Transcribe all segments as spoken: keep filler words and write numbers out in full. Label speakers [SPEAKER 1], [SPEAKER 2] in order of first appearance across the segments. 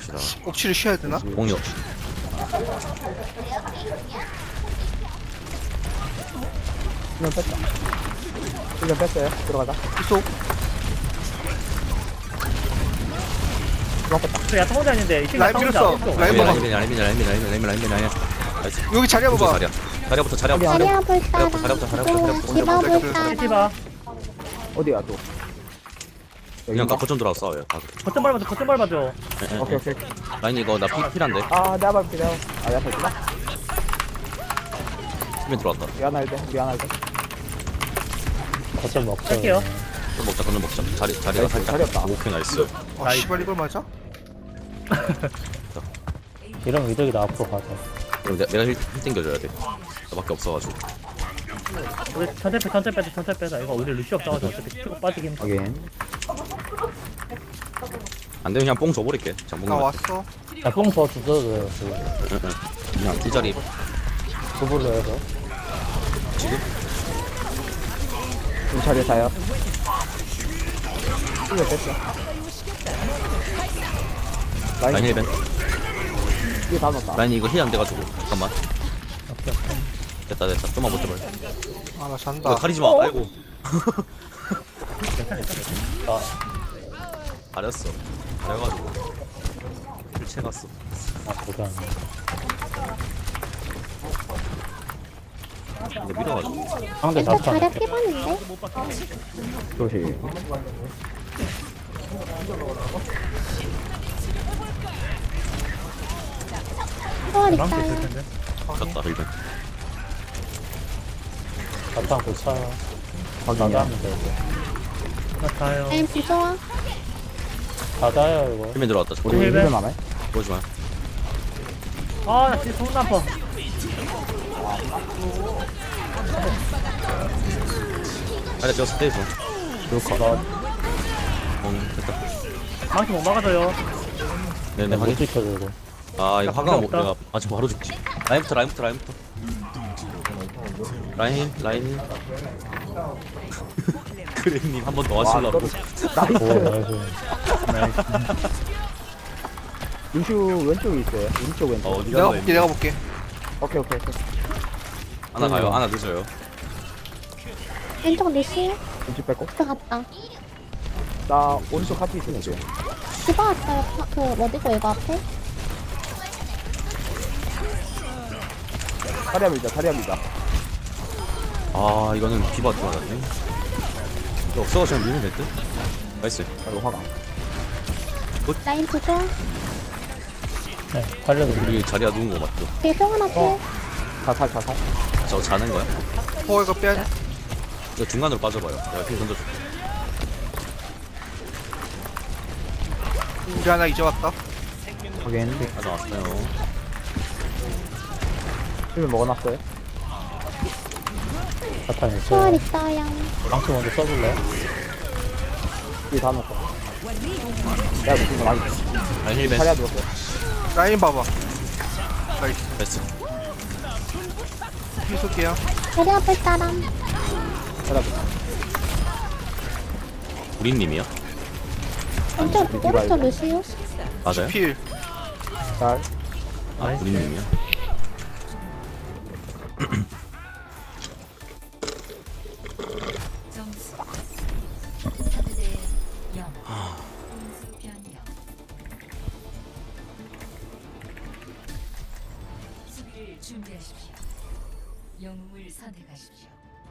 [SPEAKER 1] 봅시다.
[SPEAKER 2] 옥치를 쉬어야 되나?
[SPEAKER 1] 공이 없.
[SPEAKER 3] 수면 뺐다. 수면 뺐어요. 들어가자.
[SPEAKER 2] 계속
[SPEAKER 3] 들어갔다.
[SPEAKER 4] 저 야타 혼자 있는데 이
[SPEAKER 2] 라인 밀었어. 라인
[SPEAKER 1] 라인
[SPEAKER 2] 봐봐.
[SPEAKER 1] 라인 라인 라인 라인 라인 라인 라인. 나이스.
[SPEAKER 2] 여기 자리
[SPEAKER 1] 무슨
[SPEAKER 2] 봐봐.
[SPEAKER 1] 자리야? 자리부터 자리부터.
[SPEAKER 3] 자리야.
[SPEAKER 5] 자리야 볼 따라
[SPEAKER 1] 자리부터 자리부터 자리부터.
[SPEAKER 5] 디바 볼
[SPEAKER 2] 자리부터.
[SPEAKER 5] 따라
[SPEAKER 4] 티바
[SPEAKER 3] 어디야 또?
[SPEAKER 1] 그냥 가 거점 들어와 싸워요. 가.
[SPEAKER 4] 거점 밟아줘 거점 밟아줘.
[SPEAKER 3] 오케이 오케이.
[SPEAKER 1] 라인 이거 나 피, 필한데.
[SPEAKER 3] 아 내가 밟을게 내가. 아 내가 밟구나.
[SPEAKER 1] 수면 들어왔다.
[SPEAKER 3] 미안할 때 미안할 때.
[SPEAKER 6] 거점 먹자.
[SPEAKER 4] 할게요.
[SPEAKER 1] 좀 먹자 그럼 먹자. 자리 자리가
[SPEAKER 3] 나이스,
[SPEAKER 1] 살짝.
[SPEAKER 3] 자리 없다.
[SPEAKER 1] 오케이 나이스.
[SPEAKER 2] 아
[SPEAKER 4] 나이스.
[SPEAKER 2] 씨발 이걸 맞아?
[SPEAKER 6] 이런 의덕이 나 앞으로 가자.
[SPEAKER 1] 그럼 내, 내가 힐, 힐 땡겨줘야 돼. 나밖에 없어가지고.
[SPEAKER 4] 우리 천천히 빼 천천히 빼자 천천히 빼자. 이거 우리 루시 없다고 어차피 치고 빠지기 힘들어.
[SPEAKER 3] 확인.
[SPEAKER 1] 안 되면 그냥 뽕 줘버릴게. 장봉.
[SPEAKER 2] 나 왔어.
[SPEAKER 6] 야뽕 더 주셔도 돼요.
[SPEAKER 1] 그냥 이 자리
[SPEAKER 6] 두불로 해서.
[SPEAKER 1] 지금.
[SPEAKER 3] 이 자리에 자요. 수면 뺐어.
[SPEAKER 1] 라인
[SPEAKER 3] 라인
[SPEAKER 1] 힐벤.
[SPEAKER 3] 이게 다 넣었다.
[SPEAKER 1] 라인 이거 힐 안 돼가지고. 잠깐만. 됐다 됐다. 좀만 버텨봐.
[SPEAKER 2] 아 나
[SPEAKER 1] 이거
[SPEAKER 2] 잔다.
[SPEAKER 1] 가리지 마. 아이고. 알았어. 그래가지고 힐채 갔어.
[SPEAKER 6] 아 보자.
[SPEAKER 1] 근데 밀어가지고.
[SPEAKER 6] 상대
[SPEAKER 5] 일단
[SPEAKER 6] 잡자.
[SPEAKER 5] 자리야 피봤는데
[SPEAKER 3] 조심.
[SPEAKER 5] 초월
[SPEAKER 4] 망치 있을
[SPEAKER 5] 있어요
[SPEAKER 4] 텐데.
[SPEAKER 1] 졌다 힐벤.
[SPEAKER 6] 잡자 고차.
[SPEAKER 3] 확인이야.
[SPEAKER 6] 나가면 돼 이제.
[SPEAKER 4] 나 가요.
[SPEAKER 5] 라인 부조화
[SPEAKER 6] 가자요 이거.
[SPEAKER 1] 힐벤 들어왔다.
[SPEAKER 3] 우리
[SPEAKER 4] 힐벤.
[SPEAKER 3] 힐벤 안 해?
[SPEAKER 1] 보지 마.
[SPEAKER 4] 아나 진짜 손 나빠.
[SPEAKER 1] 아래 지었을 때 있어.
[SPEAKER 6] 그렇고 나
[SPEAKER 1] 어 됐다.
[SPEAKER 4] 망치 못 막아줘요.
[SPEAKER 1] 네네
[SPEAKER 6] 못
[SPEAKER 1] 확인.
[SPEAKER 6] 지켜줘 이거.
[SPEAKER 1] 아 이거
[SPEAKER 4] 나
[SPEAKER 1] 화강 못
[SPEAKER 4] 없다.
[SPEAKER 1] 내가 아직 바로 죽지. 라인부터 라인부터 라인부터. 라인 라인. 그래님 한 번 더 하시려고.
[SPEAKER 6] 오 나이스.
[SPEAKER 3] 루슈 왼쪽에 있어요. 오른쪽 왼쪽.
[SPEAKER 1] 어 어디
[SPEAKER 2] 내가
[SPEAKER 1] 가나
[SPEAKER 2] 볼게 내가 볼게.
[SPEAKER 3] 오케이 오케이 오케이.
[SPEAKER 1] 하나 가요. 하나 늦어요.
[SPEAKER 5] 왼쪽 루시
[SPEAKER 3] 왼쪽 뺐고.
[SPEAKER 5] 들어갔다
[SPEAKER 3] 나 오른쪽 카트 있으니까.
[SPEAKER 5] 디바 왔어요 파- 그 어디고 이거 앞에
[SPEAKER 3] 자리야 밀자 자리야 밀자.
[SPEAKER 1] 아 이거는 비바 들어갔네. 이거 없어서 그냥 밀면 될 듯. 나이스.
[SPEAKER 3] 아이고 화가.
[SPEAKER 5] 라인 부조화
[SPEAKER 6] 네 살려도 우리
[SPEAKER 1] 우리 자리야 누운 거 맞죠?
[SPEAKER 5] 뒤에 송 하나
[SPEAKER 3] 어.
[SPEAKER 5] 필
[SPEAKER 3] 자살 자살.
[SPEAKER 1] 저 자는 거야?
[SPEAKER 2] 어 이거 빼야 돼.
[SPEAKER 1] 이거 중간으로 빠져봐요. 내가 핀 던져줄게.
[SPEAKER 2] 우리 하나 이제 왔다.
[SPEAKER 3] 확인.
[SPEAKER 1] 하나 왔어요.
[SPEAKER 3] 힐벤 먹어놨어요.
[SPEAKER 6] 사탄
[SPEAKER 5] 초월
[SPEAKER 6] 있어요.
[SPEAKER 5] 있어요
[SPEAKER 6] 망치 먼저 써줄래?
[SPEAKER 3] 이게 다 넣었어. 내가 무슨 거 많이.
[SPEAKER 1] 라인 힐벤.
[SPEAKER 3] 자리야 누웠어요.
[SPEAKER 2] 라인 봐봐. 나이스.
[SPEAKER 1] 베스트.
[SPEAKER 2] 피 쏠게요.
[SPEAKER 5] 자리야 볼 따라
[SPEAKER 3] 자리야 밀자.
[SPEAKER 1] 우리님이요?
[SPEAKER 5] 왼쪽 오른쪽 루시우
[SPEAKER 1] 맞아요?
[SPEAKER 2] 필.
[SPEAKER 3] 잘.
[SPEAKER 1] 아 우리님이요?
[SPEAKER 7] 점수 삼 대 영. 공수 변형. 수비를 준비하십시오. 영웅을 선택하십시오.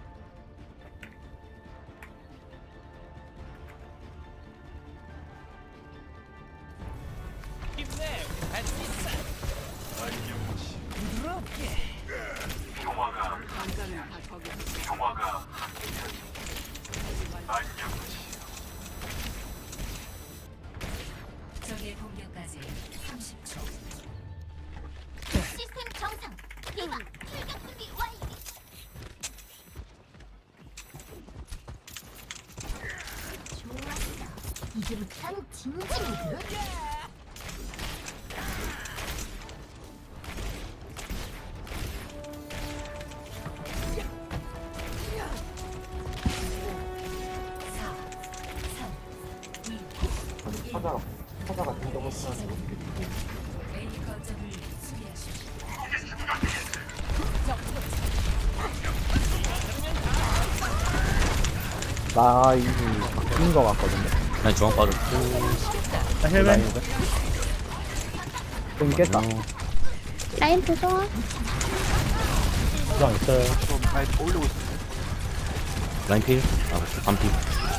[SPEAKER 7] 적의 공격까지 삼십 초.
[SPEAKER 5] 시스템 정상 디바 출격 준비 완료 좋았어 이제부터 진지 모드
[SPEAKER 3] 찾아가. 찾아가.
[SPEAKER 7] A 거점을 수비하십시오.
[SPEAKER 3] 나 이미 바뀐 거 같거든요.
[SPEAKER 1] 라인 중앙 빠졌고.
[SPEAKER 4] 나 헬멧.
[SPEAKER 3] 좀 깼다.
[SPEAKER 5] 라인 부조화.
[SPEAKER 6] 주방 있어요.
[SPEAKER 2] 좀 라인 올리고 있어.
[SPEAKER 1] 라인 필. 아, 반필.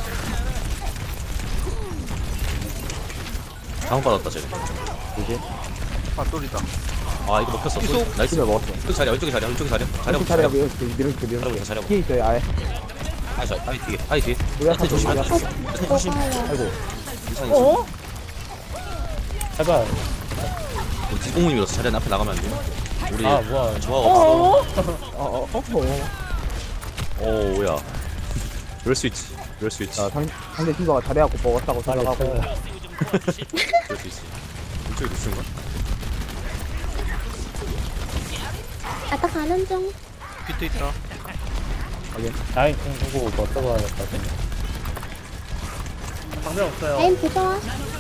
[SPEAKER 1] 잘못 받았다, 쟤.
[SPEAKER 3] 이제
[SPEAKER 2] 아 똘이다.
[SPEAKER 1] 아, 이거 먹혔어.
[SPEAKER 2] 이속.
[SPEAKER 1] 나이스.
[SPEAKER 3] 집에 먹었어.
[SPEAKER 1] 왼쪽 자리야, 왼쪽에 자리야, 왼쪽에 자리야. 자리야,
[SPEAKER 3] 이렇게
[SPEAKER 1] 자리야.
[SPEAKER 3] 차례가 이렇게 밀어줄게 밀어줄게.
[SPEAKER 1] 자리야, 자리야.
[SPEAKER 3] 뒤에 있어요 아예.
[SPEAKER 1] 아이, 자, 아이, 뒤에. 아이, 뒤에.
[SPEAKER 3] 우리가
[SPEAKER 1] 네, 조심해.
[SPEAKER 3] 다
[SPEAKER 1] 네, 조심.
[SPEAKER 5] 녹아요.
[SPEAKER 3] 아이고.
[SPEAKER 1] 이상이
[SPEAKER 4] 어?
[SPEAKER 6] 제발.
[SPEAKER 1] 뒷공문이라서 자리 앞에 나가면 안 돼요. 우리
[SPEAKER 6] 아, 뭐야.
[SPEAKER 1] 조화가 없어.
[SPEAKER 3] 어어 어. 어.
[SPEAKER 1] 오, 뭐야. 그럴 수 있지. 그럴 수 있지.
[SPEAKER 3] 자 상, 상대 팀버가 잘해갖고 먹었다고
[SPEAKER 6] 빨리
[SPEAKER 3] 생각하고.
[SPEAKER 6] 있어요.
[SPEAKER 1] 그럴 수 있지. 이쪽에 루시인가?
[SPEAKER 5] 아까 가는 중.
[SPEAKER 2] 비트 있다.
[SPEAKER 6] 라인 좀 보고 뭐 써봐야겠다. 근데.
[SPEAKER 4] 방벽 없어요.
[SPEAKER 5] 라인 부조화.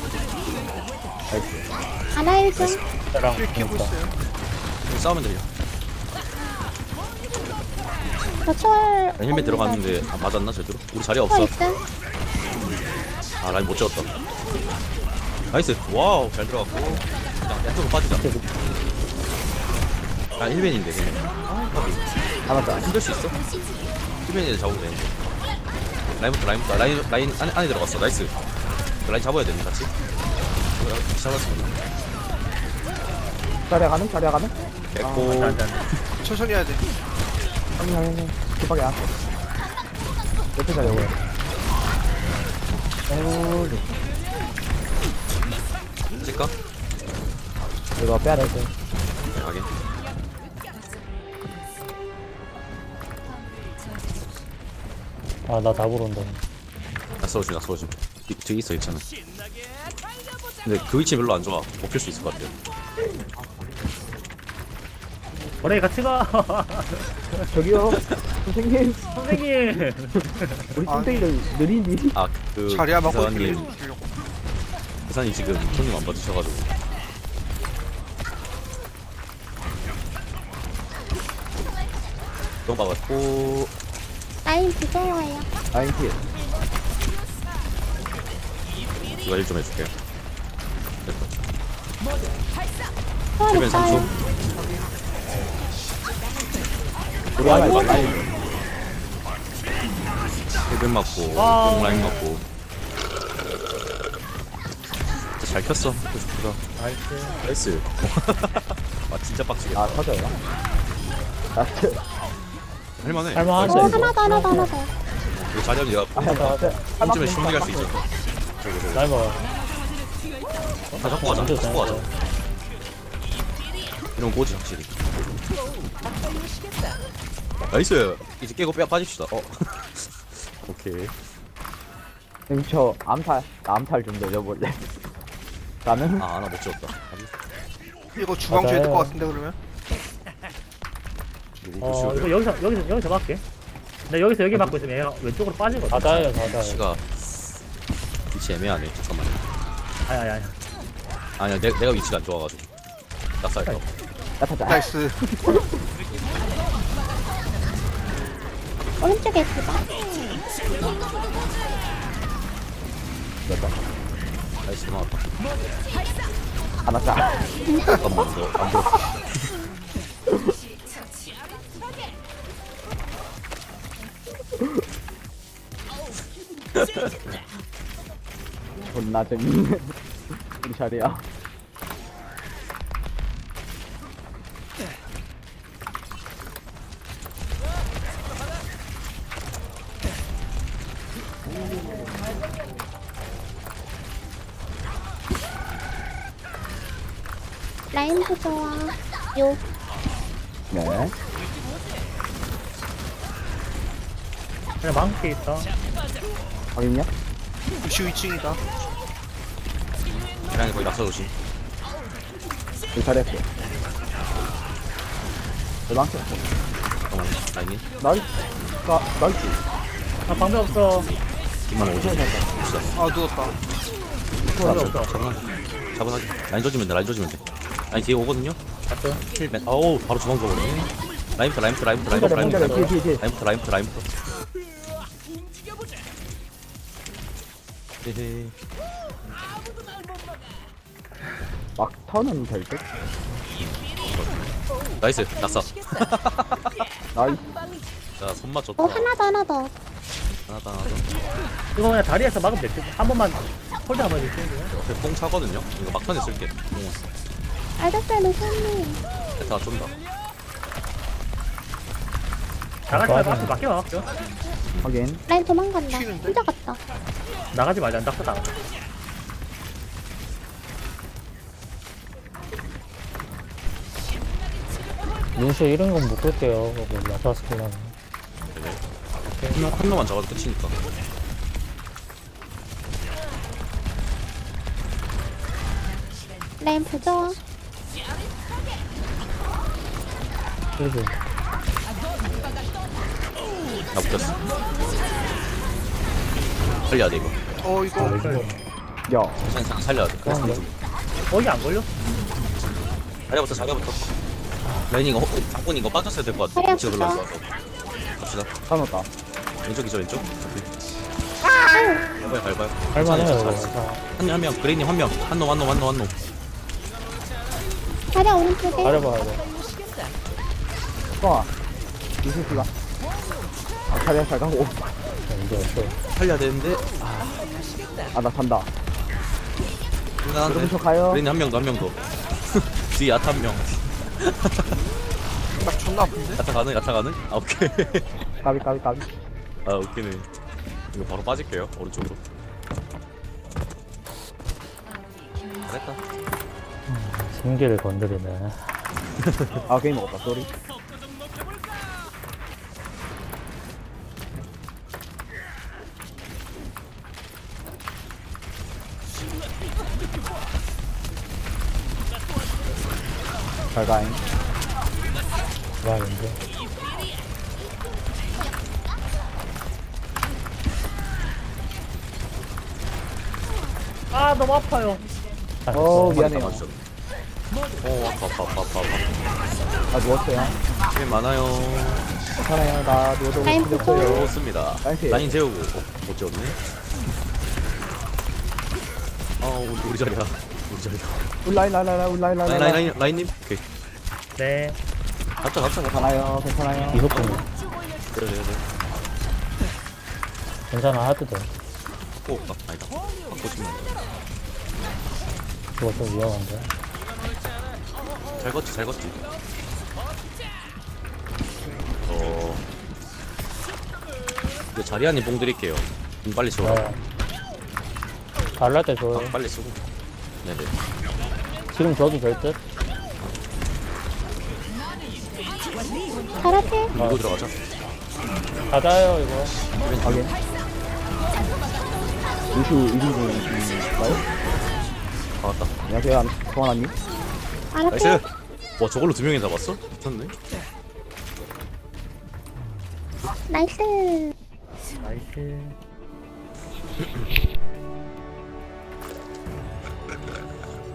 [SPEAKER 5] 하나 일 중.
[SPEAKER 6] 랑
[SPEAKER 2] 킬 키고
[SPEAKER 6] 그러니까.
[SPEAKER 2] 있어요.
[SPEAKER 1] 여기 싸우면 되냐?
[SPEAKER 5] 저 초월.
[SPEAKER 1] 라인 헬멧 들어갔는데 아, 맞았나 제대로? 우리 자리
[SPEAKER 5] 초월
[SPEAKER 1] 없어.
[SPEAKER 5] 있음.
[SPEAKER 1] 아, 라인 못 채웠다. 나이스. 와우, 잘 들어갔고. 그냥 양쪽으로 빠지자. 아, 힐벤인데 그냥.
[SPEAKER 3] 잡았다.
[SPEAKER 1] 힘들 수 있어? 힐벤이 잡으면 되는데. 라인부터 라인부터 라인 라인 안에, 안에 들어갔어. 나이스. 라인 잡아야 되는 같이. 같이 잡았습니다.
[SPEAKER 3] 차례 가는 차례 가는.
[SPEAKER 1] 됐고.
[SPEAKER 4] 안 돼, 안 돼.
[SPEAKER 2] 천천히 해야 돼.
[SPEAKER 3] 형님 형님 형님. 급하게 안. 옆에 차례 오고. 어.
[SPEAKER 1] 찍까?
[SPEAKER 3] 이거 빼야 돼.
[SPEAKER 1] 네, 가게.
[SPEAKER 6] 아, 나 잡으러 온다.
[SPEAKER 1] 낯설어지 낯설어지. 뒤에 있어 있잖아. 근데 그 위치 별로 안 좋아. 먹힐 수 있을 것 같아요.
[SPEAKER 4] 머리 같이 가.
[SPEAKER 3] 저기요. 선생님.
[SPEAKER 4] 선생님.
[SPEAKER 3] 우리
[SPEAKER 2] 아.
[SPEAKER 3] 뚱땡이를 느리니.
[SPEAKER 1] 아, 그
[SPEAKER 2] 자리야 막고
[SPEAKER 1] 기사님
[SPEAKER 2] 주려고.
[SPEAKER 1] 기사님 지금 손님 안 받으셔가지고. 똥 박았고.
[SPEAKER 5] 라인 부조화예요.
[SPEAKER 3] 라인 킬.
[SPEAKER 1] 이거 일 좀 해줄게요. 됐다.
[SPEAKER 5] 초월
[SPEAKER 1] 힐벤 삼 초.
[SPEAKER 5] 있어요.
[SPEAKER 3] 우리 하나 이거 라인.
[SPEAKER 1] 힐벤 맞고.
[SPEAKER 4] 와우.
[SPEAKER 1] 똥 라인 맞고. 진짜 잘 켰어. 좋다.
[SPEAKER 4] 나이스.
[SPEAKER 1] 나이스. 아, 진짜 빡치겠다.
[SPEAKER 3] 아 터져요. 나이스.
[SPEAKER 1] 할만해.
[SPEAKER 6] 할만하지.
[SPEAKER 5] 어, 하나 더, 하나 더, 하나 더.
[SPEAKER 1] 이거 자리하면 내가
[SPEAKER 3] 아,
[SPEAKER 1] 한 점에 충분히 갈 수 있지.
[SPEAKER 6] 라인 봐.
[SPEAKER 1] 다 잡고 가자. 다 잡고 가자. 이런 꼬지 확실히. 나이스. 이제 깨고 빼 빠집시다. 어. 오케이.
[SPEAKER 3] 형님 저 암살 나 암살 좀 넣어볼래. 나는
[SPEAKER 1] 아, 하나 못 찍었다.
[SPEAKER 2] 이거 주방 줘야 될 것
[SPEAKER 6] 맞아요.
[SPEAKER 2] 같은데 그러면?
[SPEAKER 1] 누구
[SPEAKER 4] 어,
[SPEAKER 1] 보시고요?
[SPEAKER 4] 이거 여기서, 여기서, 여기서 막게. 나 여기서 여기 막고 있으면 얘가 왼쪽으로 빠지거든.
[SPEAKER 6] 다다예요, 다다.
[SPEAKER 1] 시가 위치 애매하네. 잠깐만.
[SPEAKER 4] 아니, 아니, 아니.
[SPEAKER 1] 아니야, 내, 내가 위치가 안 좋아가지고. 낙살했다.
[SPEAKER 3] 나타자.
[SPEAKER 2] 나이스.
[SPEAKER 5] 오른쪽에 있다.
[SPEAKER 1] 나이스, 고마웠다.
[SPEAKER 3] 안 왔다.
[SPEAKER 1] 잠깐만, 이거 안 보여.
[SPEAKER 3] 존나 재밌네. 우리 자리야.
[SPEAKER 5] 라인 부조화. 요.
[SPEAKER 3] 네.
[SPEAKER 4] 그냥 망치 있다.
[SPEAKER 3] 확인요?
[SPEAKER 2] 루시 이 층이다.
[SPEAKER 1] 그냥 거의 낙살 조심.
[SPEAKER 3] 우리 자리했어. 대망치.
[SPEAKER 1] 잠깐만, 라인이.
[SPEAKER 3] 나이스. 나 나이스.
[SPEAKER 4] 아, 방벽 없어.
[SPEAKER 1] 뒷만 오지. 봅시다.
[SPEAKER 2] 아 누웠다.
[SPEAKER 4] 방벽 없어.
[SPEAKER 1] 장난. 차분하게. 라인 조지면 돼, 라인 조지면 돼. 라인 뒤에 오거든요?
[SPEAKER 6] 갔어.
[SPEAKER 1] 힐맨. 어우, 바로 주방 줘버리네. 라인부터, 라인부터, 라인부터, 라인부터,
[SPEAKER 3] 혼자래,
[SPEAKER 1] 라인부터,
[SPEAKER 3] 혼자래. 뒤에, 뒤에, 뒤에.
[SPEAKER 1] 라인부터, 라인부터, 라인부터. 헤헤.
[SPEAKER 3] 막 터는 될 듯?
[SPEAKER 1] 나이스, 낙사.
[SPEAKER 3] 나이스.
[SPEAKER 1] 자, 손맛 좋다.
[SPEAKER 5] 어 하나 더 하나 더.
[SPEAKER 1] 하나, 하나, 하나.
[SPEAKER 4] 이거 그냥 다리에서 막으면 됐지. 한 번만 홀드 한번 해줄게요.
[SPEAKER 1] 옆에 뽕 차거든요? 이거 막판에 쓸게. 뽕.
[SPEAKER 5] 알겠어요 노사님.
[SPEAKER 1] 다 쫀다.
[SPEAKER 4] 나가지 말고 앞에 맞게 막을게요.
[SPEAKER 3] 확인.
[SPEAKER 5] 라인 도망간다.
[SPEAKER 2] 튀는데?
[SPEAKER 5] 혼자 갔다.
[SPEAKER 4] 나가지 말자. 낙서 다.
[SPEAKER 6] 민수 이런 건 못 끌게요. 라타스 킬라는.
[SPEAKER 1] 한, 명, 한 명만 잡아도 끝이니까.
[SPEAKER 5] 라인 부조화.
[SPEAKER 6] 그래도
[SPEAKER 1] 나 붙였어. 살려야 돼, 이거.
[SPEAKER 2] 어 이거
[SPEAKER 3] 야,
[SPEAKER 1] 살- 살- 살려야 돼. 그래서
[SPEAKER 6] 그런데?
[SPEAKER 1] 좀.
[SPEAKER 4] 거기 안 걸려?
[SPEAKER 1] 자리부터, 자리부터. 라인 이거, 어, 장군 이거 빠졌어야 될 것 같아.
[SPEAKER 5] 자리야,
[SPEAKER 1] 위치가 별로 안
[SPEAKER 5] 진짜.
[SPEAKER 1] 좋아서. 갑시다.
[SPEAKER 3] 까놓다.
[SPEAKER 1] 왼쪽이죠, 왼쪽? 오케이.
[SPEAKER 5] 아유.
[SPEAKER 1] 밟아요, 밟아요.
[SPEAKER 6] 할만해요,
[SPEAKER 1] 잘했어,
[SPEAKER 6] 이거.
[SPEAKER 1] 잘했어. 한 명, 한 명. 그레이님 한 명. 한 놈, 한 놈, 한 놈, 한 놈.
[SPEAKER 5] 자리야 오른쪽에.
[SPEAKER 6] 잘해봐야 돼.
[SPEAKER 3] 뻥아. 이슬 씨가. 아, 차례 잘 가고.
[SPEAKER 6] 이제 없어.
[SPEAKER 1] 살려야 되는데.
[SPEAKER 3] 아, 나 간다.
[SPEAKER 1] 인간한데.
[SPEAKER 3] 그럼 저 가요.
[SPEAKER 1] 그레이님 한 명 더, 한 명 더. 뒤에 야타 한 명.
[SPEAKER 2] 나 존나 아픈데?
[SPEAKER 1] 야타 가능? 야타 가능? 아, 오케이.
[SPEAKER 3] 까비, 까비, 까비.
[SPEAKER 1] 아, 웃기네. 이거 바로 빠질게요, 오른쪽으로. 잘했다.
[SPEAKER 6] 신기를 건드리네.
[SPEAKER 3] 아, 게임 먹었다. 쏘리. 잘 가잉.
[SPEAKER 6] 와, 이제.
[SPEAKER 4] 아 너무 아파요.
[SPEAKER 6] 아,
[SPEAKER 3] 어,
[SPEAKER 6] 됐어.
[SPEAKER 3] 미안해요.
[SPEAKER 1] 맞췄네. 어, 아파, 아파, 아파, 아파, 아파.
[SPEAKER 3] 나 누웠어요.
[SPEAKER 1] 게 많아요.
[SPEAKER 3] 괜찮아요. 나 누워도
[SPEAKER 5] 라인
[SPEAKER 3] 필요 없어요.
[SPEAKER 1] 좋습니다.
[SPEAKER 3] 나이스.
[SPEAKER 1] 라인 재우고. 어, 못 재웠네. 어, 우리, 우리 자리야. 우리 자리야.
[SPEAKER 3] 울라인, 라인, 라인, 울라인, 라인,
[SPEAKER 1] 라인, 라인, 라인, 라인님? 오케이.
[SPEAKER 4] 네.
[SPEAKER 1] 갑자, 갑자, 갑자.
[SPEAKER 3] 괜찮아요. 괜찮아요.
[SPEAKER 6] 이속도
[SPEAKER 1] 그래, 그래, 그래.
[SPEAKER 6] 괜찮아, 하도 돼.
[SPEAKER 1] 오, 아, 아니다. 바꿔 주면 안 돼.
[SPEAKER 6] 그거 좀 위험한데.
[SPEAKER 1] 잘 걷지, 잘 걷지. 어. 이제 자리안님 뽕 드릴게요. 좀 빨리 치워라.
[SPEAKER 6] 네. 잘날 때 줘요.
[SPEAKER 1] 아, 빨리 쓰고. 네네.
[SPEAKER 6] 지금 줘도 될 듯?
[SPEAKER 5] 잘하지.
[SPEAKER 1] 밀고 들어가자.
[SPEAKER 6] 가자요, 이거.
[SPEAKER 3] 확인. 루슈 일 인분인가요?
[SPEAKER 1] 아, 맞다.
[SPEAKER 3] 안녕하세요. 성환아님.
[SPEAKER 1] 나이스!
[SPEAKER 5] 알았지.
[SPEAKER 1] 와, 저걸로 두 명이 잡았어? 미쳤네.
[SPEAKER 5] 나이스.
[SPEAKER 4] 나이스.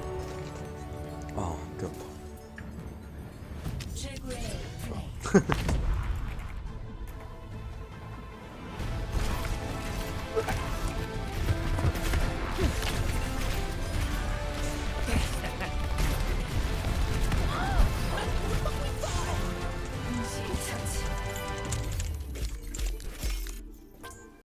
[SPEAKER 1] 아, 그
[SPEAKER 7] 최고의